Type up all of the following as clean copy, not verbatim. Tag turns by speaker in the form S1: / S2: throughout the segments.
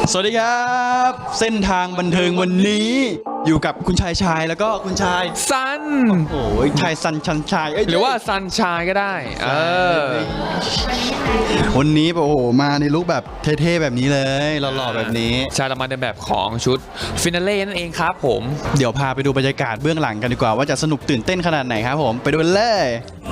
S1: สวัสดีครับเส้นทางบันเทิงวันนี้อยู่กับคุณชายแล้วก็คุณชาย
S2: ซัน
S1: โอ้ยชายซันชันชาย
S2: หรือว่าซันชายก็ได้
S1: วันนี้โอ้โหมาในลุคแบบเท่ๆแบบนี้เลยหล่อๆแบบนี้
S2: ชายละมันในแบบของชุดฟินาเล่นั่นเองครับผม
S1: เดี๋ยวพาไปดูบรรยากาศเบื้องหลังกันดีกว่าว่าจะสนุกตื่นเต้นขนาดไหนครับผมไปดูกันเลย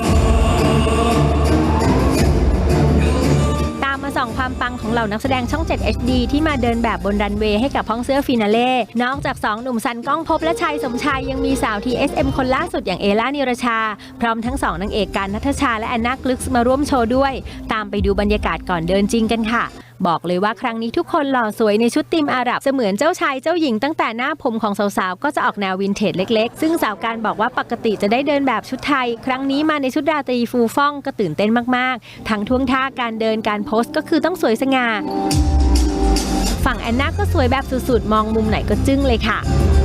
S3: ส่องความปังของเหล่านักแสดงช่อง 7 HD ที่มาเดินแบบบนรันเวย์ให้กับห้องเสื้อฟินาเล่นอกจาก2หนุ่มซันก้องภพและชัยสมชายยังมีสาว TSM คนล่าสุดอย่างเอล่านิรชาพร้อมทั้ง2นางเอกการณัฐชาและแอนนากลึกมาร่วมโชว์ด้วยตามไปดูบรรยากาศก่อนเดินจริงกันค่ะบอกเลยว่าครั้งนี้ทุกคนหล่อสวยในชุดธีมอาหรับเสมือนเจ้าชายเจ้าหญิงตั้งแต่หน้าผมของสาวๆก็จะออกแนววินเทจเล็กๆซึ่งสาวการบอกว่าปกติจะได้เดินแบบชุดไทยครั้งนี้มาในชุดราตรีฟูฟ่องก็ตื่นเต้นมากๆทั้งท่วงท่าการเดินการโพสก็คือต้องสวยสง่าฝั่งแอนนาก็สวยแบบสุดๆมองมุมไหนก็จึ้งเลยค่ะ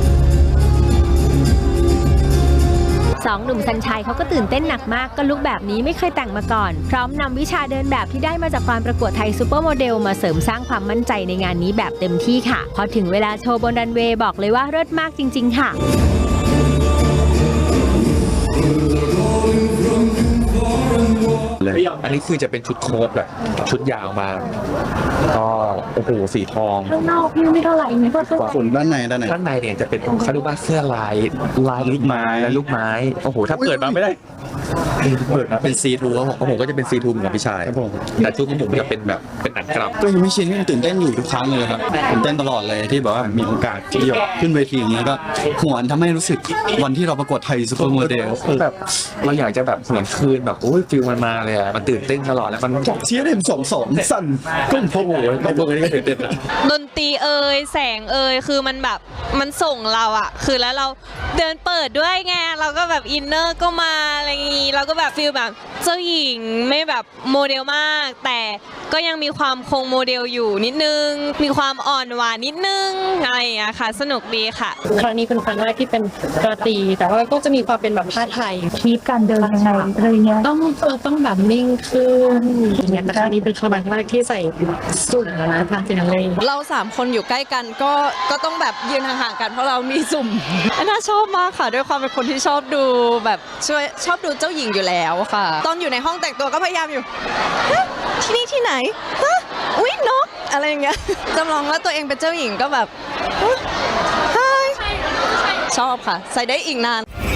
S3: 2หนุ่มสัญชัยเขาก็ตื่นเต้นหนักมากก็ลุคแบบนี้ไม่เคยแต่งมาก่อนพร้อมนำวิชาเดินแบบที่ได้มาจากการประกวดไทยซูเปอร์โมเดลมาเสริมสร้างความมั่นใจในงานนี้แบบเต็มที่ค่ะพอถึงเวลาโชว์บนรันเวย์บอกเลยว่าเลิศมากจริงๆค่ะ
S2: อันนี้คือจะเป็นชุดโค้ทแบบชุดยาวมาก็โอ้โหสีทอง
S3: ข้างนอกพี่ไม่เท่าไหร่นี่ก็
S1: ส่วนด้านใน
S2: เนี่ยจะเป็นเขาเรียกว่าเสื้อลายลูกไม้และลูกไม้โอ้โหถ้าเปิดมาไม่ได้เปิดมาเป็นซีทูครับผมก็จะเป็นซีทูเหมือนกับพี่ชายแต่ชุดของผมจะเป็นแบบเป็นอันกลับ
S1: ก็ยังไม่ชินยังตื่นเต้นอยู่ทุกครั้งเลยครับตื่นเต้นตลอดเลยที่แบบว่ามีโอกาสที่จะขึ้นเวทีอย่างนี้ก็หวนทำให้รู้สึกวันที่เราประกวดไทยซูเปอร์โมเดล
S2: แบบเราอยากจะแบบเหมือนคืนแบบโอ้ยฟิลมันมาเลยอ่ะมันตื่นเต้นตลอดแล้วมัน
S1: เชียร์เต็ม2-2สั่นก้มพกโอ้ยก้มพกนี่ก็ตื่นเต้น
S4: ดนตรีแสงคือมันแบบมันส่งเราอะคือแล้วเราเดินเปิดด้วยไงเราก็แบบอินเนอร์ก็มาอะไรอย่างงี้เราก็แบบฟีลแบบเจ้าหญิงไม่แบบโมเดลมากแต่ก็ยังมีความคงโมเดลอยู่นิดนึงมีความอ่อนหวานนิดนึงอะไรอย่างเงี้ยค่ะสนุกดีค่ะ
S5: ครั้งนี้เป็นครั้งแรกที่เป็นราตรีแต่ว่าก็จะมีความเป็นแบบผ้าไทย
S3: มีการเดินยังไงอะไรเงี้ย
S5: ต้องแบบนิ่งขึ้นอย่างเงี้ยแต่ครั้งนี้เป็นครั้งแรกที่ใส่สูทนะทางฟินาเล่
S6: เรา3คนอยู่ใกล้กันก็ต้องแบบยืนห่างๆกันเพราะเรามีสุ่มน่าชอบมากค่ะด้วยความเป็นคนที่ชอบดูแบบชอบดูเจ้าหญิงอยู่แล้วค่ะตอนอยู่ในห้องแต่งตัวก็พยายามอยู่ที่นี่ที่ไหนอุ๊ยนกอะไรอย่างเงี้ยจำลองว่าตัวเองเป็นเจ้าหญิงก็แบบชอบค่ะใส่ได้อีกนาน